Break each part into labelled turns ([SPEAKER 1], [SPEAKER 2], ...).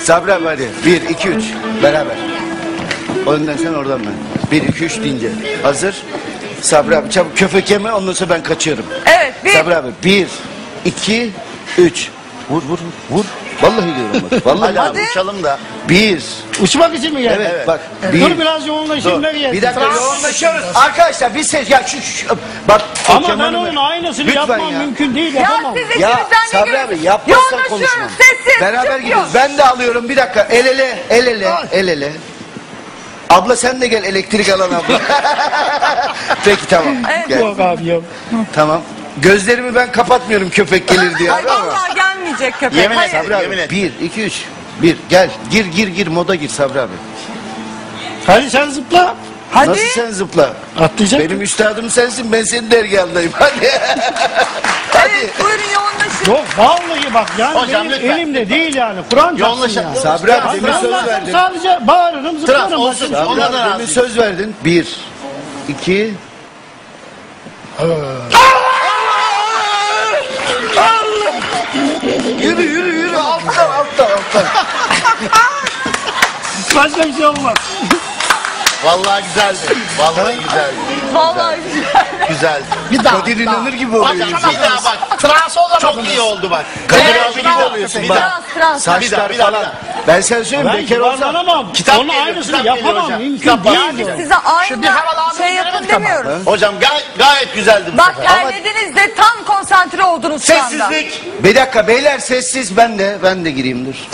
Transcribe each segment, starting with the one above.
[SPEAKER 1] Sabri abi hadi. 1, 2, 3. Beraber. Önden sen oradan ben. 1, 2, 3 deyince. Hazır. Sabri abi çabuk köpek yeme ondan sonra ben kaçıyorum.
[SPEAKER 2] Evet.
[SPEAKER 1] Sabri abi 1, 2, 3. Vur vur vur. Vallahi diyorum bak. Vallahi
[SPEAKER 3] Hadi abi uçalım da.
[SPEAKER 1] 1.
[SPEAKER 4] Uçmak için mi geldin?
[SPEAKER 1] Evet, bak.
[SPEAKER 4] Dur biraz yoğunlaşayım ne gelsin.
[SPEAKER 1] Bir dakika yoğunlaşıyoruz. Arkadaşlar bir ses ya bak.
[SPEAKER 4] Ama ben
[SPEAKER 1] Kemal'im-
[SPEAKER 4] onun aynısını
[SPEAKER 1] Lütfen
[SPEAKER 4] yapmam
[SPEAKER 1] ya.
[SPEAKER 4] mümkün değil
[SPEAKER 2] Ya
[SPEAKER 4] yapamam.
[SPEAKER 2] siz
[SPEAKER 1] Ya
[SPEAKER 2] içinizden ne
[SPEAKER 1] Sabri
[SPEAKER 2] geliyor?
[SPEAKER 1] abi yapmazsan konuşmam.
[SPEAKER 2] Yoğunlaşıyoruz, sessiz.
[SPEAKER 1] Beraber
[SPEAKER 2] çıkıyor.
[SPEAKER 1] gidiyoruz. Ben de alıyorum bir dakika. El ele, el ele, el ele. Abla sen de gel elektrik alan abla. Peki tamam.
[SPEAKER 2] Evet.
[SPEAKER 1] Gel.
[SPEAKER 4] Yok abi yok.
[SPEAKER 1] Tamam. Gözlerimi ben kapatmıyorum köpek gelir diye
[SPEAKER 2] Ay
[SPEAKER 1] abi ama.
[SPEAKER 2] vallahi gelmeyecek köpek.
[SPEAKER 3] Yemin et
[SPEAKER 2] Hayır.
[SPEAKER 1] Sabri abi
[SPEAKER 3] Yemin et.
[SPEAKER 1] 1, 2, 3. 1 gel. Gir moda gir Sabri abi.
[SPEAKER 4] Hadi sen zıpla.
[SPEAKER 2] Hadi.
[SPEAKER 1] Nasıl sen zıpla?
[SPEAKER 4] Atlayacak.
[SPEAKER 1] Benim üstadım sensin ben senin dergahındayım. Hadi.
[SPEAKER 2] Evet buyurun yoğunlaşın.
[SPEAKER 4] Yok vallahi bak yani
[SPEAKER 3] Hocam,
[SPEAKER 4] benim
[SPEAKER 3] lütfen.
[SPEAKER 4] elimde değil yani. Kur'an çarpsın
[SPEAKER 3] Yoğunlaşın.
[SPEAKER 4] ya.
[SPEAKER 1] Sabri abi
[SPEAKER 4] Ben
[SPEAKER 1] demin söz
[SPEAKER 4] anlarsam
[SPEAKER 1] verdin.
[SPEAKER 4] sadece bağırırım zıplarım.
[SPEAKER 3] Trans olsun.
[SPEAKER 4] Başka bir şey
[SPEAKER 3] Ona
[SPEAKER 4] yok.
[SPEAKER 3] da
[SPEAKER 1] Demin
[SPEAKER 3] razıyım.
[SPEAKER 1] söz verdin. 1, 2. Yürü alttan.
[SPEAKER 4] Başka bir şey olmaz.
[SPEAKER 3] Vallahi güzeldi. Vallahi güzeldi.
[SPEAKER 2] Vallahi güzel.
[SPEAKER 3] Güzeldi.
[SPEAKER 4] Bir daha.
[SPEAKER 1] Kadir inanır gibi
[SPEAKER 3] Bak
[SPEAKER 1] oluyor.
[SPEAKER 3] bir daha bak. Trans olamadınız. Çok iyi oldu bak.
[SPEAKER 1] Kadir
[SPEAKER 3] Evet,
[SPEAKER 1] abi gibi
[SPEAKER 3] bravo.
[SPEAKER 1] oluyorsun
[SPEAKER 3] Bir
[SPEAKER 1] bak.
[SPEAKER 3] daha.
[SPEAKER 2] Trans.
[SPEAKER 1] Saçlar
[SPEAKER 3] Bir daha.
[SPEAKER 1] falan. Ben sana söyleyeyim
[SPEAKER 4] Ben
[SPEAKER 1] bekar olsam.
[SPEAKER 4] yuvarlanamam.
[SPEAKER 3] Kitap
[SPEAKER 4] Onun
[SPEAKER 3] geliyor,
[SPEAKER 4] aynısını
[SPEAKER 3] kitap geliyor
[SPEAKER 4] yapamam.
[SPEAKER 3] hocam.
[SPEAKER 4] Mümkün
[SPEAKER 3] Kitap
[SPEAKER 4] değil.
[SPEAKER 3] var.
[SPEAKER 4] diyor.
[SPEAKER 2] Size
[SPEAKER 3] Şu bir
[SPEAKER 2] aynı
[SPEAKER 3] havalandırma
[SPEAKER 2] şey yapın
[SPEAKER 3] veremedik ama.
[SPEAKER 2] demiyoruz.
[SPEAKER 3] Hocam gayet güzeldi bu
[SPEAKER 2] Bak
[SPEAKER 3] sefer.
[SPEAKER 2] terlediniz de tam konsantre oldunuz şu anda.
[SPEAKER 3] Sessizlik.
[SPEAKER 1] Bir dakika beyler sessiz ben de gireyim dur.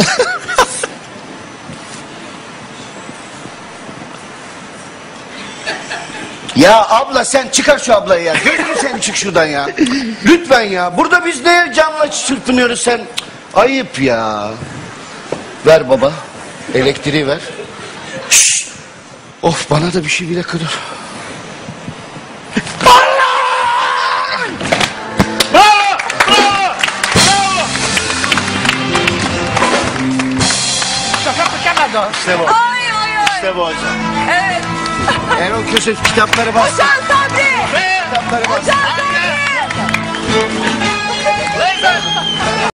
[SPEAKER 1] Ya abla sen çıkar şu ablayı ya. Gözünü sen çık şuradan ya. Lütfen ya. Burada biz ne canla çırpınıyoruz sen. Ayıp ya. Ver baba. Elektriği ver. Şşş. Of bana da bir şey bile kırır.
[SPEAKER 3] İşte bu.
[SPEAKER 2] Ay ay ay.
[SPEAKER 3] İşte bu hocam.
[SPEAKER 2] Evet.
[SPEAKER 1] Erol Köse kitapları bas.
[SPEAKER 2] Hocam Sabri.
[SPEAKER 1] Kitapları bas.
[SPEAKER 2] Hocam Sabri.